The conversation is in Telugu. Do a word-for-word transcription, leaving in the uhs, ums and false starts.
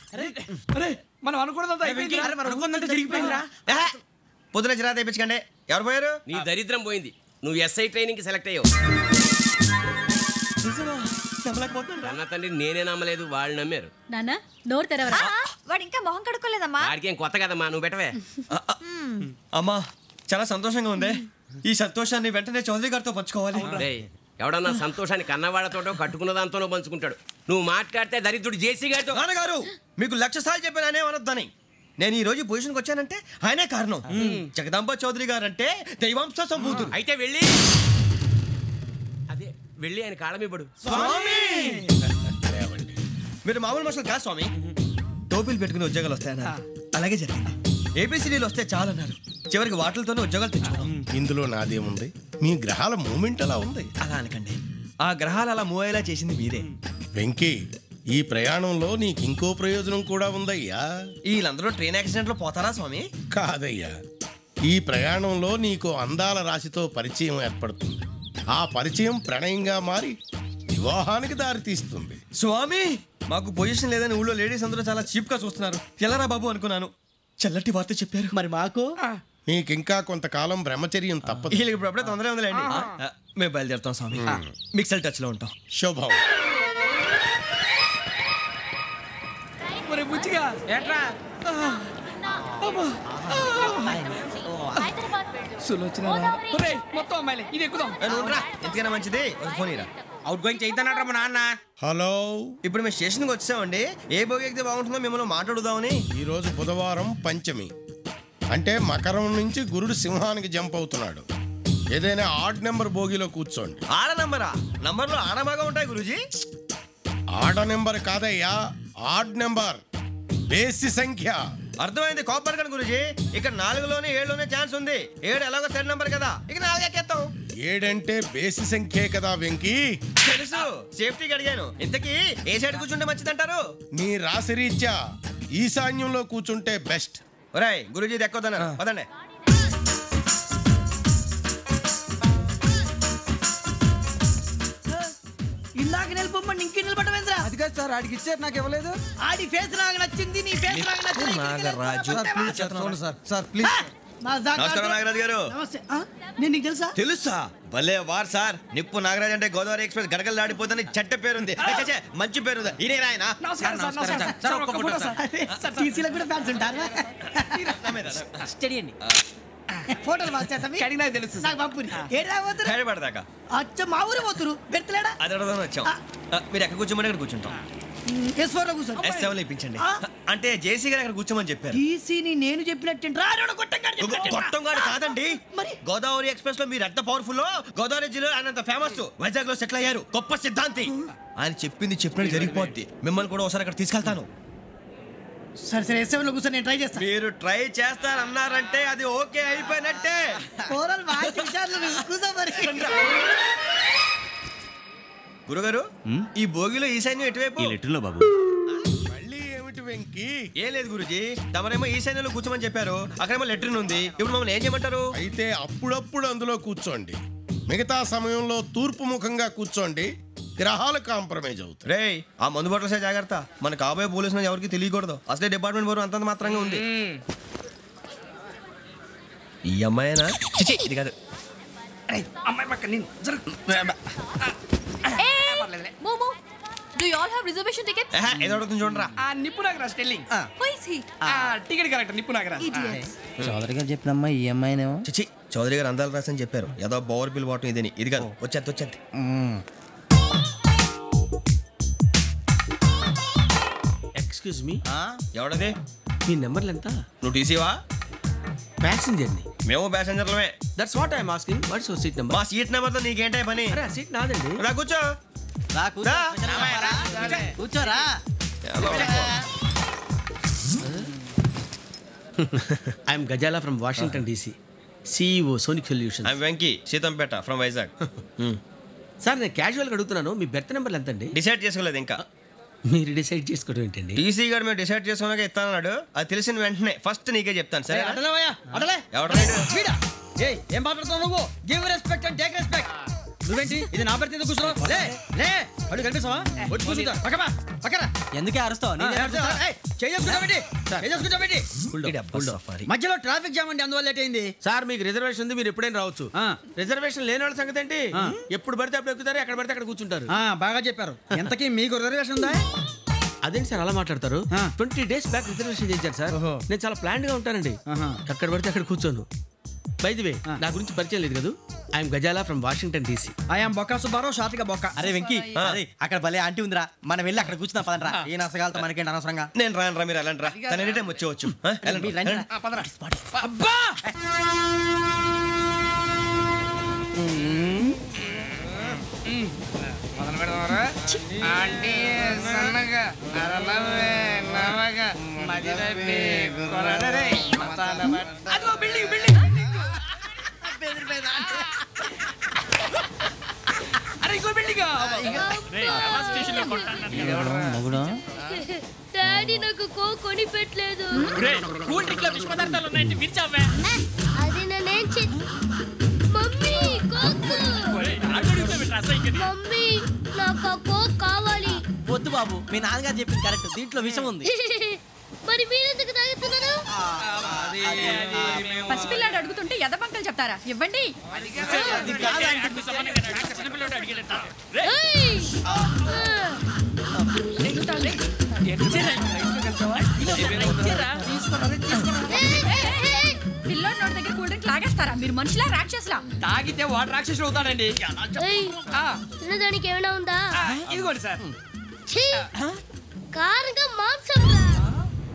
మనం అనుకున్నదంతా జరిగిపోయిందిరా. పొద్దున చిరా తెప్పించకండి. ఎవరు పోయారు? నీ దరిద్రం పోయింది. నువ్వు ఎస్ఐ ట్రైనింగ్ కి సెలెక్ట్ అయ్యావు. అన్న తండ్రి నేనే నమ్మలేదు, వాళ్ళు నమ్మారు. నాన్న నోరు తెరవరా. వాడు ఇంకా మొహం కడుక్కోలేదమ్మా. వాడికి ఏం కొత్త కదమ్మా, నువ్వు పెట్టవే. అమ్మా చాలా సంతోషంగా ఉంది. ఈ సంతోషాన్ని వెంటనే చౌదరి గారితో పంచుకోవాలి. ఎవడన్నా సంతోషాన్ని కన్నవాళ్లతోటో కట్టుకున్న దాంతోనో పంచుకుంటాడు. నువ్వు మాట్లాడితే దరిద్రుడు జేసీ గారితో. నాన్నగారు మీకు లక్ష సార్లు చెప్పాను అనే అనొద్దని. నేను ఈ రోజు పొజిషన్కి వచ్చానంటే ఆయనే కారణం. జగదాంబ చౌదరి గారు అంటే దైవాంశ సంభూతుడు. అయితే వెళ్ళి అదే వెళ్ళి ఆయన కాళ్ళ మీద పడు. స్వామి మీరు మామూలు మనుషులు కాదు స్వామి. టోపీలు పెట్టుకుని ఉద్యోగాలు వస్తాయన్నా. అలాగే జరిగింది. ఏబిసిడీలు వస్తే చాలన్నారు. చివరికి వాటిలతోనే ఉద్యోగాలు తెచ్చుకున్నాం. ఇందులో నాదేముంది? మీ గ్రహాల మూమెంట్ అలా ఉంది. అలా అనకండి. ఆ గ్రహాలు అలా మూవ్ అయ్యేలా చేసింది మీరే. వెంకీ ఈ ప్రయాణంలో నీకు ఇంకో ప్రయోజనం కూడా ఉందయ్యా. వీళ్ళందరూ ట్రైన్ యాక్సిడెంట్ లో పోతారా స్వామి? కాదయ్యా, ఈ ప్రయాణంలో నీకు అందాల రాశితో పరిచయం ఏర్పడుతుంది. ఆ పరిచయం ప్రణయంగా మారి వివాహానికి దారితీస్తుంది. స్వామి మాకు పొజిషన్ లేదని ఊళ్ళో లేడీస్ అందరూ చాలా చీప్ గా చూస్తున్నారు. ఎలారా బాబు అనుకున్నాను. చల్లటి వార్త చెప్పారు. మరి మాకు నీకింకా కొంతకాలం బ్రహ్మచర్యం తప్పదు. వీళ్ళకి ఇప్పుడు అప్పుడే తొందరగా ఉందిలేండి. మేము బయలుదేరుతాం స్వామి. మిక్సెల్ టచ్ లో ఉంటాం. శుభం. బుచ్చిగా ఏట్రా మొత్తం అమ్మాయిలే. ఇది ఎక్కుదాం. ఎందుకైనా మంచిది ఫోన్ ఇరా. అవుట్ గోయింగ్ చేద్దానట్రా మా నాన్న. హలో, ఇప్పుడు మేము స్టేషన్కి వచ్చామండి. ఏ బోగి ఎక్కితే బాగుంటుందో మిమ్మల్ని మాట్లాడుదామని. ఈరోజు బుధవారం పంచమి అంటే మకరం నుంచి గురుడు సింహానికి జంప్ అవుతున్నాడు. ఏదైనా ఆడ్ నెంబర్ బోగిలో కూర్చోండి. ఆడ నంబరా? నంబర్లో ఆడ బాగా ఉంటాయి గురూజీ. ఆడ నెంబర్ కాదయ్యా, ఆడ్ నెంబర్, బేసి సంఖ్య. అర్థమైంది. కాపర్ కన్ గురూజీ. ఇక్కడ నాలుగులోనే ఏడులోనే ఛాన్స్ ఉంది. ఏడు ఎలాగో సెడ్ నంబర్ కదా, ఇక నాలుగు ఎక్కేస్తాం. ఏడంటే బేసి సంఖ్యే కదా వెంకీ. తెలుసు, సేఫ్టీకి అడిగాను. ఇంతకీ ఏ సైడ్ కూర్చుంటే మంచిదంటారు? నీ రాశి రీత్యా ఈశాన్యంలో కూర్చుంటే బెస్ట్. ఒరేయ్ గురూజీ దెక్కొద్దన్నారు. పదండి. ఇందాక నిలబొమ్మని ఇంకే నిలబడమేంద్రా? అది కాదు సార్, ఆడికి ఇచ్చారు, నాకు ఇవ్వలేదు. ఆడి ఫేస్ నాకు నచ్చింది, నీ ఫేస్ నాకు నచ్చింది. Nagaraju sir sir please. నమస్కారం నాగరాజు గారు. నమస్తే. నేను నీకు తెలుసా? తెలుసా? భలే వార్ సార్. నిప్పు నాగరాజ్ అంటే గోదావరి ఎక్స్ప్రెస్ గడగలు దాడిపోతుంది చెట్ట పేరుంది. మంచి పేరు. ఇదే ఆయన. ఫోటోలు తెలుసు. అచ్చా మా ఊరు పోతురు పెడతలేడా? అది అడగదామని వచ్చాం. మీరు ఎక్కడ కూర్చోమని అక్కడ కూర్చుంటాం. ఎస్ ఫోర్ లో కూర్చోండి. ఎస్ సెవెన్ లో ఇప్పించండి. అంటే జేసీ గారు అక్కడ కూర్చోమని చెప్పారు. టీసీని నేను చెప్పినట్టు గొట్టం గారు కాదండి. గోదావరి ఎక్స్ప్రెస్ లో మీరు ఎంత పవర్ఫుల్, గోదావరి జిల్లా ఆయన ఫేమస్. వైజాగ్ లో సెటిల్ అయ్యారు. గొప్ప సిద్ధాంతి. ఆయన చెప్పింది చెప్పినట్టు జరిగిపోద్ది. మిమ్మల్ని కూడా ఒకసారి అక్కడ తీసుకెళ్తాను. సరే సరే ఎస్ సెవెన్ లో కూర్చొని నేను ట్రై చేస్తాను. మీరు ట్రై చేస్తారన్నారంటే అది ఓకే అయిపోయినట్టే. గురుగారు ఈ భోగిలో ఈశాన్యం ఎటువైపు? లెటర్లో బాబు. మళ్ళీ ఏమిటి వెంకీ? ఏం లేదు గురుజీ, తమరేమో ఈశాన్యంలో కూర్చోమని చెప్పారు. అక్కడేమో లెటర్ ఉంది. ఇప్పుడు మమ్మల్ని ఏం చేయమంటారు? అయితే అప్పుడప్పుడు అందులో కూర్చోండి. మిగతా సమయంలో తూర్పు ముఖంగా కూర్చోండి. గ్రహాలు కాంప్రమైజ్ అవుతాయి. రే ఆ మందు బాటలసే జాగ్రత్త. మన కాబోయే పోలీసులు ఎవరికి తెలియకూడదు. అసలే డిపార్ట్మెంట్ బోరు అంతంత మాత్రంగా ఉంది. ఈ అమ్మాయినా? ఇది కాదు. అమ్మాయి పక్క నేను. Do you all have reservation tickets? ఏహ ఏదో అడుగుతుంది చూడరా. ఆ నిప్పు Nagaraj telling. Who is he? ఆ టికెట్ కరెక్ట్ నిప్పు నాగరాజ్. Idiots. చౌదరి గారు చెప్పినమ్మా ఈ అమ్మాయినేమో. చిచి చౌదరి గారు అందాలు రాసని చెప్పారు. ఏదో బోర్ బిల్ బాటం ఇదని. ఇది కాదు. వచ్చేది వచ్చేది. Excuse me, ఎవడది? మీ నెంబర్లు ఎంత? నువ్వు టీసీవా? ప్యాసింజర్ ని. మేము ప్యాసెంజర్లమే. That's what I'm asking. What's your seat number? మా సీట్ నెంబర్తో నీకేంటే పని? అరే ఆ సీట్ నాదండి. రా కూర్చో. రా కూర్చోరా. I'm Gazala from Washington DC, CEO Sonic Solution. I'm Venky Seethampeta from Vizag. Sir నేను క్యాజువల్గా అడుగుతున్నాను, మీ బెర్త్ నెంబర్లు ఎంత అండి? డిసైడ్ చేసుకోలేదు ఇంకా. మీరు డిసైడ్ చేసుకోవడం ఏంటండి? టీసీ గారు మేము డిసైడ్ చేసుకున్నాక ఇస్తానన్నాడు. అది తెలిసిన వెంటనే ఫస్ట్ నీకే చెప్తాను. సరే ఏం మాట్లాడుతున్నావు నువ్వు? Give respect and take respect. నువ్వేంటి ఇది నా బెర్త్ ఎందుకు కూర్చున్నావు? లే లే అడుగు కనిపిస్తావా? వచ్చి కూర్చుంటా. పక్కమా పక్కరా. ఎందుకే అరుస్తావు? మధ్యలో ట్రాఫిక్ జామ్ అండి, అందువల్ల లేట్ అయింది. సార్ మీకు రిజర్వేషన్ ఉంది, మీరు ఎప్పుడైనా రావచ్చు. రిజర్వేషన్ లేని వాళ్ళ సంగతి ఏంటి? ఎప్పుడు పడితే అప్పుడు ఎక్కుతారు, ఎక్కడ పడితే అక్కడ కూర్చుంటారు. బాగా చెప్పారు. ఎంతకీ మీకు రిజర్వేషన్ ఉందా? అదేంటి సార్ అలా మాట్లాడతారు? ట్వంటీ డేస్ బ్యాక్ రిజర్వేషన్ చేశారు సార్. నేను చాలా ప్లాన్ గా ఉంటానండి. అక్కడ పడితే అక్కడ కూర్చోను. బై ది వే, నా గురించి పరిచయం లేదు కదా, I'm Gazala from Washington DC. I'm Bokka Subbarao, షాతిక బొక్క. అరే వెంకీ, అరే అక్కడ భలే ఆంటీ ఉందిరా, మనం వెళ్ళి అక్కడ కూర్చున్నా పదనరా. ఏ నసగాలతో మనకేంటి అనవసరంగా. నేను రాను రా, మీరు వెళ్ళండి రా. తన ఎనీ టైం వచ్చేవచ్చు. అబ్బా డాడీ నాకు కో కొని పెట్టలేదు. కూల్ డ్రింక్ లో విష పదార్థాలు ఉన్నాయంటే విరిచావే. అది నేనేం చే మమ్మీ కోక్. మమ్మీ నాకు కోక్ కావాలి. వద్దు బాబు, మీ నాన్నగారు చెప్పింది కరెక్ట్, దీంట్లో విషయం ఉంది. మరి మీరెందుకు తాగుతున్నారు? పసిపిల్లాడు అడుగుతుంటే ఎదబంకలు చెప్తారా? ఇవ్వండి. పిల్లోడి నోటి దగ్గర కూల్ డ్రింక్ లాగేస్తారా? మీరు మనుషులా రాక్షసులా? తాగితే వాడు రాక్షసుడు అవుతాడండి. తినడానికి ఏమైనా ఉందా? ఇదిగోండి సార్. కారంగా మాంసం.